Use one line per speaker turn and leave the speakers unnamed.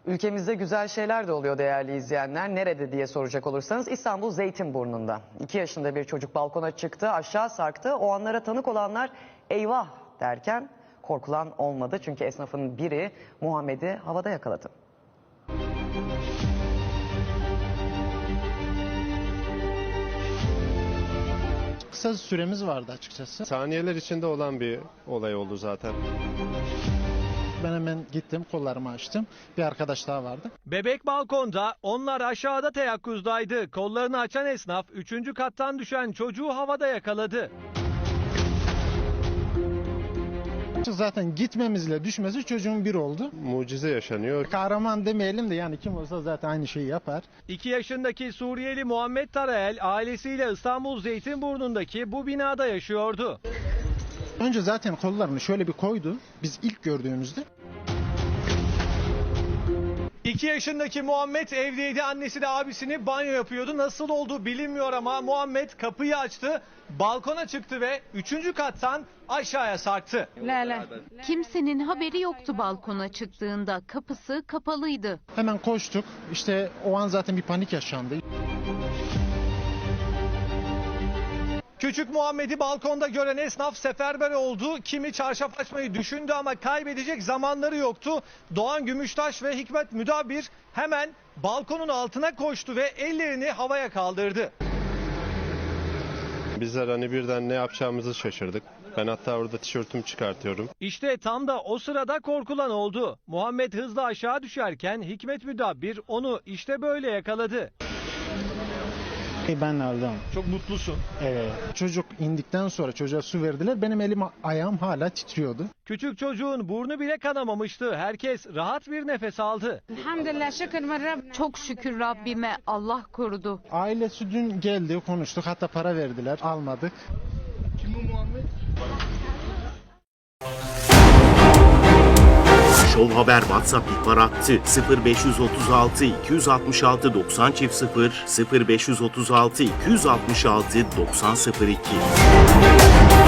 Ülkemizde güzel şeyler de oluyor değerli izleyenler. Nerede diye soracak olursanız İstanbul Zeytinburnu'nda. 2 yaşında bir çocuk balkona çıktı, aşağı sarktı. O anlara tanık olanlar eyvah derken korkulan olmadı. Çünkü esnafın biri Muhammed'i havada yakaladı.
Kısa süremiz vardı açıkçası.
Saniyeler içinde olan bir olay oldu zaten.
Ben hemen gittim, kollarımı açtım. Bir arkadaş daha vardı.
Bebek balkonda, onlar aşağıda teyakkuzdaydı. Kollarını açan esnaf 3. kattan düşen çocuğu havada yakaladı.
Zaten gitmemizle düşmesi çocuğun bir oldu.
Mucize yaşanıyor.
Kahraman demeyelim de yani kim olsa zaten aynı şeyi yapar.
2 yaşındaki Suriyeli Muhammed Tarayel ailesiyle İstanbul Zeytinburnu'ndaki bu binada yaşıyordu.
Önce zaten kollarını şöyle bir koydu. Biz ilk gördüğümüzde.
2 yaşındaki Muhammed evdeydi. Annesi de abisini banyo yapıyordu. Nasıl oldu bilinmiyor ama Muhammed kapıyı açtı, balkona çıktı ve 3. kattan aşağıya sarktı.
Kimsenin haberi yoktu balkona çıktığında. Kapısı kapalıydı.
Hemen koştuk. İşte o an zaten bir panik yaşandı.
Küçük Muhammed'i balkonda gören esnaf seferber oldu. Kimi çarşaf açmayı düşündü ama kaybedecek zamanları yoktu. Doğan Gümüştaş ve Hikmet Müdabir hemen balkonun altına koştu ve ellerini havaya kaldırdı.
Bizler hani birden ne yapacağımızı şaşırdık. Ben hatta orada tişörtümü çıkartıyorum.
İşte tam da o sırada korkulan oldu. Muhammed hızla aşağı düşerken Hikmet Müdabir onu işte böyle yakaladı.
Ben aldım.
Çok mutlusun.
Evet. Çocuk indikten sonra çocuğa su verdiler. Benim elim ayağım hala titriyordu.
Küçük çocuğun burnu bile kanamamıştı. Herkes rahat bir nefes aldı.
Çok şükür Rabbime, Allah korudu.
Ailesi dün geldi, konuştuk. Hatta para verdiler. Almadık.
Show Haber WhatsApp ihbar hattı 0536 266 90 0 0536 266 90 02.